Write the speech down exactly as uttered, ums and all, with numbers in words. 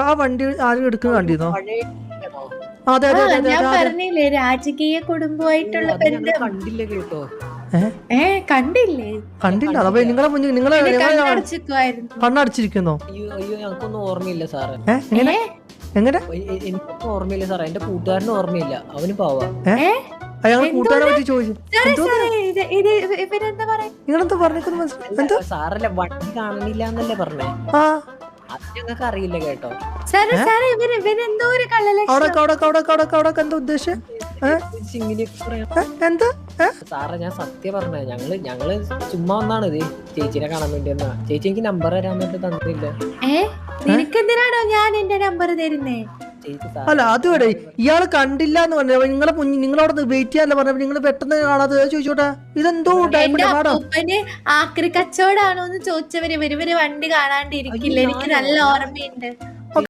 ആ വണ്ടി ആരും എടുക്കുന്നത് കണ്ടിരുന്നോ? പഴയ അതെ അതെ അതെ അതെ ഞാൻ അതെ പറഞ്ഞില്ലേ രാജകീയ കുടുംബമായിട്ടുള്ള അത് ഞങ്ങൾ ബന്ധം. കണ്ടില്ല കേട്ടോ. ഏ കണ്ടില്ലേ? കണ്ടില്ല. അപ്പൊ നിങ്ങളെ മുന്നിൽ നിങ്ങളെ കണ്ണടച്ചിരിക്കുവായിരുന്നു. കണ്ണടച്ചിരിക്കുന്നോ? അയ്യോ അയ്യോ ഞങ്ങൾക്കൊന്നും ഓർമ്മയില്ല സാറേ. ഏഹ് എങ്ങനെ എങ്ങനെ എനിക്കൊന്നും ഓർമ്മയില്ല സാറേ. എന്റെ കൂട്ടുകാരനും ഓർമ്മയില്ല. അവന് പാവാ. അയാൾ കൂട്ടുകാരെ പറ്റി ചോദിച്ചു. ഇവരെന്താ പറയാ? നിങ്ങളെന്താ പറഞ്ഞേക്കുന്നത് മനസ്സിലായി? എന്താ സാറല്ലേ വണ്ടി കാണണില്ല എന്നല്ലേ പറഞ്ഞേ? ആ അത് ഞങ്ങൾക്ക് അറിയില്ല കേട്ടോ. സാറേ സാറേ ഇവര് ഇവരെന്തോ ഒരു കള്ളലക്ഷണം. അവിടെ അവിടെ അവിടെ അവിടെ അവിടെ എന്താ ഉദ്ദേശം? എന്താ സാറേ ഞാൻ സത്യം പറഞ്ഞേ. ഞങ്ങള് ഞങ്ങള് ചുമ്മാ ഒന്നാണ് ഇത് ചേച്ചിനെ കാണാൻ വേണ്ടി എന്നാ. ചേച്ചി എനിക്ക് നമ്പർ തരാൻ വേണ്ടി തന്നില്ല. ഏ നിനക്കെന്തിനാണോ ഞാൻ എന്റെ നമ്പർ തരുന്നേ? അല്ല അതുവിടെ ഇയാള് കണ്ടില്ല എന്ന് പറഞ്ഞ നിങ്ങളെ നിങ്ങളവിടെ വെയിറ്റ് ചെയ്യാനല്ല പറഞ്ഞ നിങ്ങൾ പെട്ടെന്ന് കാണാതെ ചോദിച്ചോട്ടെ. ഇതെന്തോ അപ്പന് ആക്രി കച്ചവടാണോ എന്ന് ചോദിച്ചവര് ഇവര് ഇവര് വണ്ടി കാണാണ്ടിരിക്കില്ല. എനിക്ക് നല്ല ഓർമ്മയുണ്ട്.